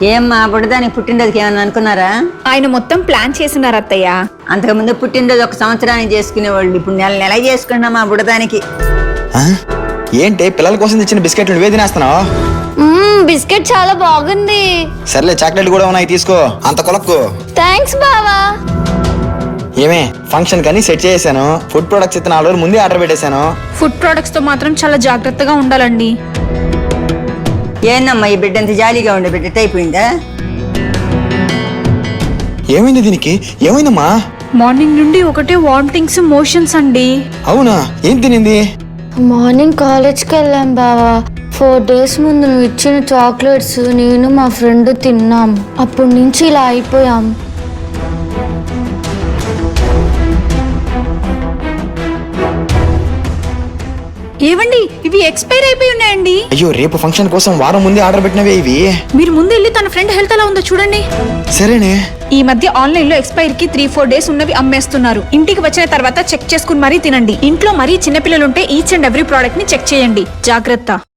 ఏమ్మా బుడ్డదానికి పుట్టినరోజుకి ఏమన్నా అనుకున్నారా? ఆయన మొత్తం ప్లాన్ చేసినారు అత్తయ్య. అంతకుముందు పుట్టినరోజు ఒక సంవత్సరానికి చేసుకునేవాళ్ళు, ఇప్పుడు నెల చేసుకున్నాం మా బుడ్డదానికి. ఏంటి పిల్లల కోసం తెచ్చిన బిస్కెట్లు నువ్వే తినేస్తున్నావు? బిస్కెట్ చాలా బాగుంది. సర్లే చాక్లెట్ కూడా ఉన్నాయి, తీసుకో. అంత కొలక్కు. థ్యాంక్స్ బావా. ఏమే ఫంక్షన్ కని సెట్ చేసాను. ఫుడ్ ప్రొడక్ట్స్ అయితే 4 రోజులు ముందే ఆర్డర్ పెట్టేశాను. ఫుడ్ ప్రొడక్ట్స్ తో మాత్రం చాలా జాగ్రత్తగా ఉండాలండి. ఏందమ్మా ఈ బిడ్డ అంత జాలీగా ఉండే బిడ్డ అయిపోయిందా? ఏమైంది దీనికి? ఏమైందమ్మా? మార్నింగ్ నుండి ఒకటే వామిటింగ్స్, మోషన్స్ అండి. అవునా? ఏం తినింది? మార్నింగ్ కాలేజ్కి వెళ్ళాం బావా. 4 days ముందు నువ్వు ఇచ్చిన చాక్లెట్స్ నేను మా ఫ్రెండ్ తిన్నాం. అప్పటి నుంచి ఇలా అయిపోయాం. ఏవండి, ఇవి ఎక్స్పైర్ అయిపోయి ఉన్నాయండి. అయ్యో, రేపు ఫంక్షన్ కోసం వారం ముందే ఆర్డర్ పెట్టినవే ఇవి. మీరు ముందు వెళ్ళి తన ఫ్రెండ్ హెల్త్ ఎలా ఉందో చూడండి. సరేనే. ఈ మధ్య ఆన్లైన్ లో ఎక్స్పైర్ కి 3-4 days ఉన్నవి అమ్మేస్తున్నారు. ఇంటికి వచ్చిన తర్వాత చెక్ చేసుకుని మరీ తినండి. ఇంట్లో మరీ చిన్నపిల్లలుంటే ఈచ్ అండ్ ఎవ్రీ ప్రోడక్ట్ ని చెక్ చేయండి. జాగ్రత్త.